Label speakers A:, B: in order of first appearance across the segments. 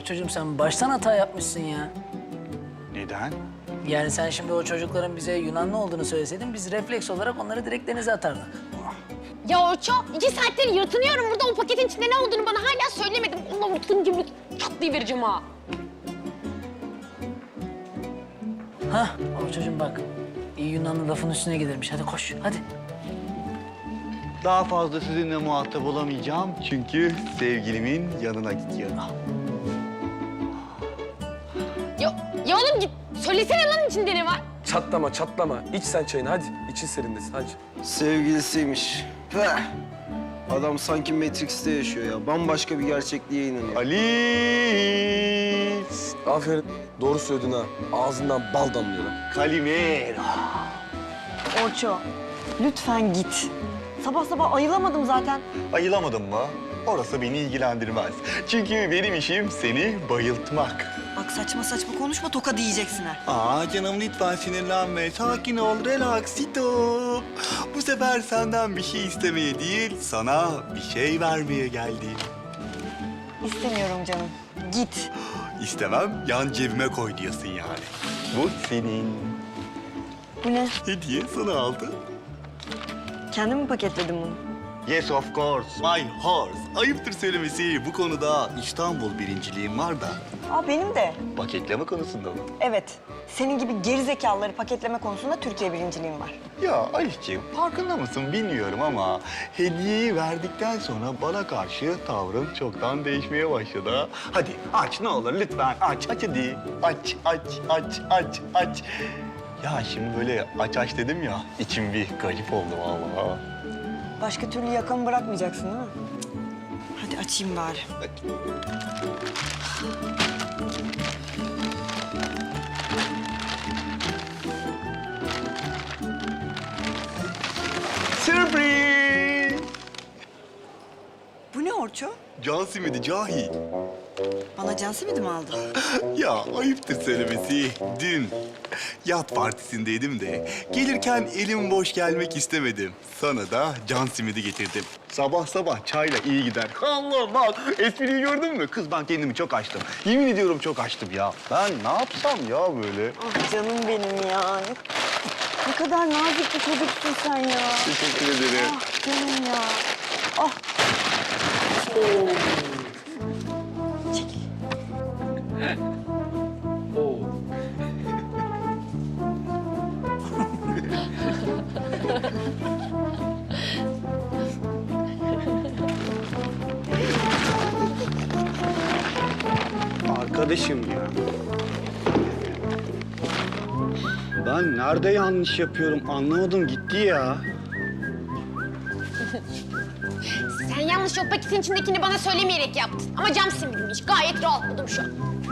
A: çocuğum sen baştan hata yapmışsın ya.
B: Neden?
A: Yani sen şimdi o çocukların bize Yunanlı olduğunu söyleseydin biz refleks olarak onları direkt denize atardık.
C: Ya Orço, 2 saattir yırtınıyorum burada. O paketin içinde ne olduğunu bana hala söylemedim. Onunla vurtun gibi çatlayıvereceğim ha.
A: Hah, o çocuğum bak. İyi Yunanlı lafın üstüne gelirmiş. Hadi koş, hadi.
B: Daha fazla sizinle muhatap olamayacağım çünkü sevgilimin yanına gidiyorum.
C: Ya oğlum git, söylesene lan içinde ne var?
D: Çatlama, çatlama. İç sen çayını hadi. İçin serinlesin hadi.
E: Sevgilisiymiş. Peh! Adam sanki Matrix'te yaşıyor ya. Bambaşka bir gerçekliğe inanıyor.
B: Ali!
D: Aferin. Doğru söyledin ha. Ağzından bal damlıyor lan.
B: Kalimero.
F: Orço, lütfen git. Sabah sabah ayılamadım zaten.
B: Ayılamadın mı? Orası beni ilgilendirmez. Çünkü benim işim seni bayıltmak.
F: Bak saçma saçma konuşma, toka diyeceksin ha.
B: Aa canım lütfen sinirlenme. Sakin ol, relaxito. Bu sefer senden bir şey istemeye değil, sana bir şey vermeye geldim.
F: İstemiyorum canım. Git.
B: İstemem, yan cebime koy diyorsun yani. Bu senin.
F: Bu ne?
B: Hediye sana aldı.
F: Kendin mi paketledin bunu?
B: Yes of course, my horse. Ayıptır söylemesi. Bu konuda İstanbul birinciliğim var da.
F: Aa benim de.
B: Paketleme konusunda mı?
F: Evet. Senin gibi gerizekalıları paketleme konusunda Türkiye birinciliğim var.
B: Ya Alişciğim, farkında mısın bilmiyorum ama hediyeyi verdikten sonra bana karşı tavrın çoktan değişmeye başladı. Ha. Hadi aç ne olur lütfen aç hadi. Aç. Ya şimdi böyle aç dedim ya, içim bir garip oldu vallahi.
F: Başka türlü yakamı bırakmayacaksın değil mi? Hadi açayım bari.
B: Sürpriz!
F: Bu ne Orço?
B: Can simidi cahil.
F: Bana can simidi mi aldın?
B: Ya ayıptır söylemesi. Dün yat partisindeydim de gelirken elim boş gelmek istemedim. Sana da can simidi getirdim. Sabah sabah çayla iyi gider. Allah bak espriyi gördün mü? Kız ben kendimi çok açtım. Yemin ediyorum çok açtım ya. Ben ne yapsam ya böyle?
F: Ah canım benim ya. Ne kadar nazik bir çocuksun sen ya.
B: Teşekkür ederim.
F: Ah canım ya. Ah. Çekil.
B: Arkadaşım ya. Ben nerede yanlış yapıyorum anlamadım gitti ya.
C: Sen yanlış o paketin içindekini bana söylemeyerek yaptın. Ama cam simidiymiş. Gayet rahatladım şu an.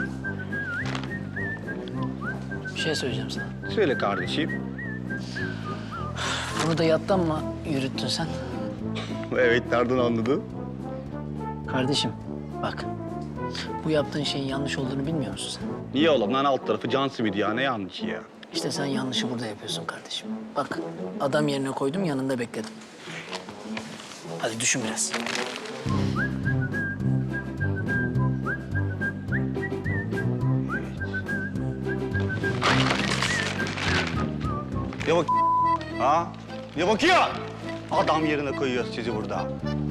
A: Bir şey söyleyeceğim sana.
B: Söyle kardeşim.
A: Bunu da yattan mı yürüttün sen?
B: Evet nereden anladın?
A: Kardeşim bak. Bu yaptığın şeyin yanlış olduğunu bilmiyor musun sen?
B: Niye oğlum lan alt tarafı can simidi ya ne yanlışı ya?
A: İşte sen yanlışı burada yapıyorsun kardeşim. Bak adam yerine koydum yanında bekledim. Hadi düşün biraz.
B: Ya bak ha? Ya bakıyor. Adam yerine koyuyor sizi burada.